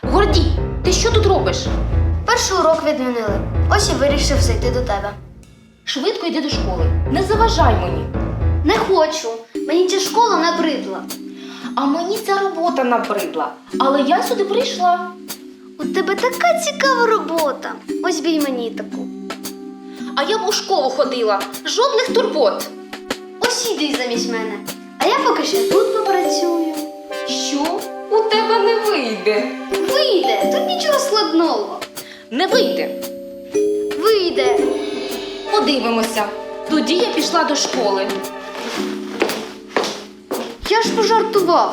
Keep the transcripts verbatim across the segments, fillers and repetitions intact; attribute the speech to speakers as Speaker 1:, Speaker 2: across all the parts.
Speaker 1: Гордій, ти що тут робиш?
Speaker 2: Перший урок відмінили. Ось і вирішив зайти до тебе.
Speaker 1: Швидко йди до школи. Не заважай мені.
Speaker 2: Не хочу. Мені ця школа набридла.
Speaker 1: А мені ця робота набридла. Але я сюди прийшла.
Speaker 2: У тебе така цікава робота. Ось бій мені таку.
Speaker 1: А я б у школу ходила. Жодних турбот.
Speaker 2: Ось іди замість мене. А я поки ще тут попрацюю.
Speaker 1: Що? У тебе не вийде.
Speaker 2: Вийде, тут нічого складного.
Speaker 1: Не вийде.
Speaker 2: Вийде.
Speaker 1: Подивимося. Тоді я пішла до школи.
Speaker 2: Я ж пожартував.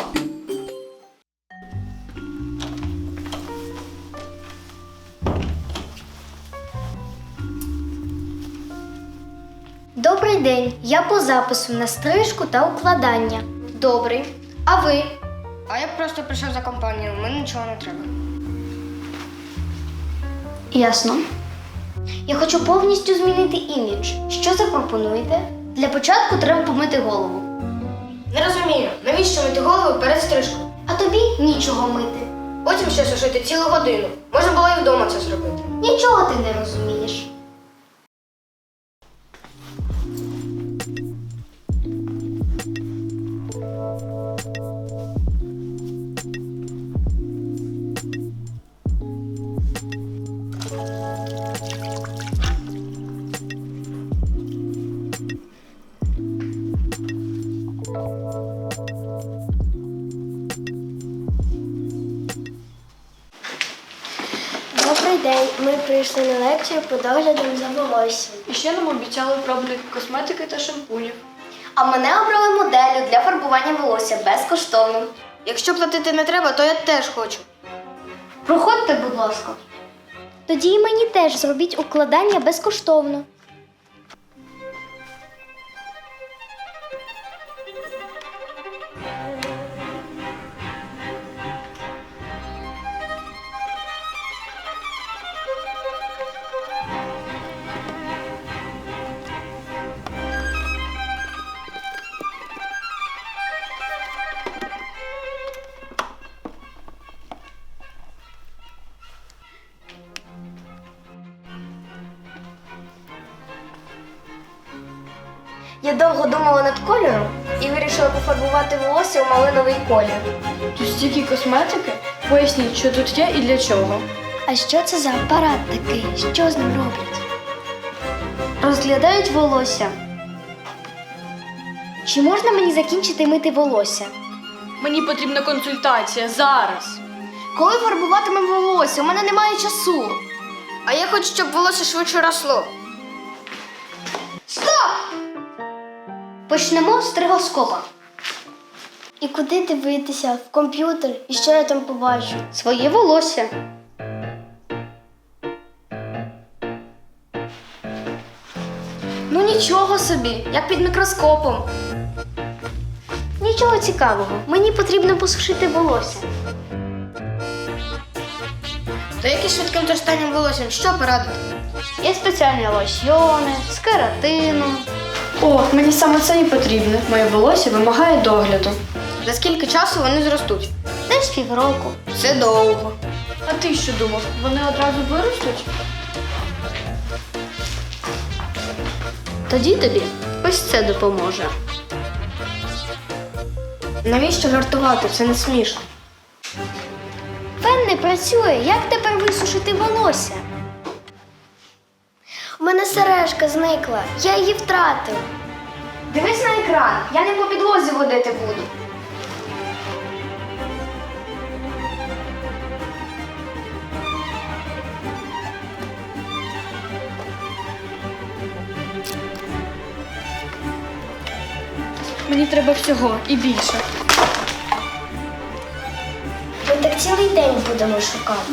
Speaker 2: Добрий день. Я по запису на стрижку та укладання. Добрий. А ви?
Speaker 3: А я просто прийшов за компанію, мені нічого не треба.
Speaker 2: Ясно. Я хочу повністю змінити імідж. Що запропонуєте? Для початку треба помити голову.
Speaker 3: Не розумію, навіщо мити голову перед стрижкою?
Speaker 2: А тобі нічого мити.
Speaker 3: Потім ще сушити цілу годину. Можна було і вдома це зробити.
Speaker 2: Нічого ти не розумієш. Добрий день. Ми прийшли на лекцію по доглядам за волоссям.
Speaker 4: І ще нам обіцяли пробники косметики та шампунів.
Speaker 2: А мене обрали моделлю для фарбування волосся безкоштовно.
Speaker 3: Якщо платити не треба, то я теж хочу.
Speaker 2: Проходьте, будь ласка. Тоді і мені теж зробіть укладання безкоштовно. Я довго думала над кольором і вирішила пофарбувати волосся у малиновий колір.
Speaker 4: Тут стільки косметики? Поясніть, що тут є і для чого.
Speaker 2: А що це за апарат такий? Що з ним роблять? Розглядають волосся. Чи можна мені закінчити мити волосся?
Speaker 4: Мені потрібна консультація зараз.
Speaker 2: Коли фарбуватимемо волосся? У мене немає часу.
Speaker 3: А я хочу, щоб волосся швидше росло.
Speaker 2: Стоп! Почнемо з стригоскопа. І куди дивитися? В комп'ютер? І що я там побачу? Своє волосся. Ну нічого собі, як під мікроскопом. Нічого цікавого. Мені потрібно посушити волосся.
Speaker 3: То які швидким торстанням волоссям, що порадити?
Speaker 2: Є спеціальні лосьйони з кератином.
Speaker 4: О, мені саме це і потрібно. Моє волосся вимагає догляду.
Speaker 3: За скільки часу вони зростуть?
Speaker 2: Десь півроку.
Speaker 3: Це довго.
Speaker 4: А ти що думав, вони одразу виростуть?
Speaker 2: Тоді тобі ось це допоможе.
Speaker 3: Навіщо жартувати? Це не смішно.
Speaker 2: Фен не працює. Як тепер висушити волосся? У мене сережка зникла. Я її втратив.
Speaker 3: Дивись на екран, я не по підлозі водити буду.
Speaker 4: Мені треба всього і більше.
Speaker 2: Ми так цілий день будемо шукати.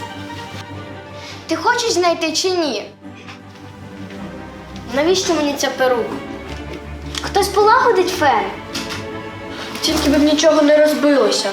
Speaker 3: Ти хочеш знайти чи ні? Навіщо мені ця перука?
Speaker 2: Хтось полагодить фен?
Speaker 4: Тільки б нічого не розбилося.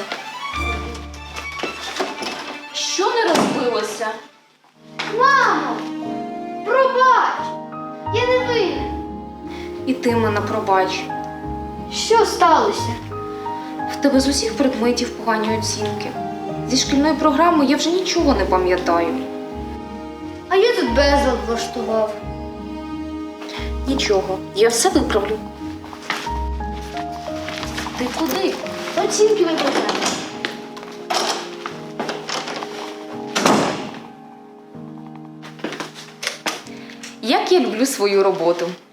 Speaker 1: Що не розбилося?
Speaker 2: Мамо! Пробач! Я не винен.
Speaker 1: І ти мене пробач.
Speaker 2: Що сталося?
Speaker 1: В тебе з усіх предметів погані оцінки. Зі шкільної програми я вже нічого не пам'ятаю.
Speaker 2: А я тут безлад влаштував.
Speaker 1: Нічого, я все виправлю. Ти куди?
Speaker 2: Оцінки виправляю.
Speaker 1: Як я люблю свою роботу.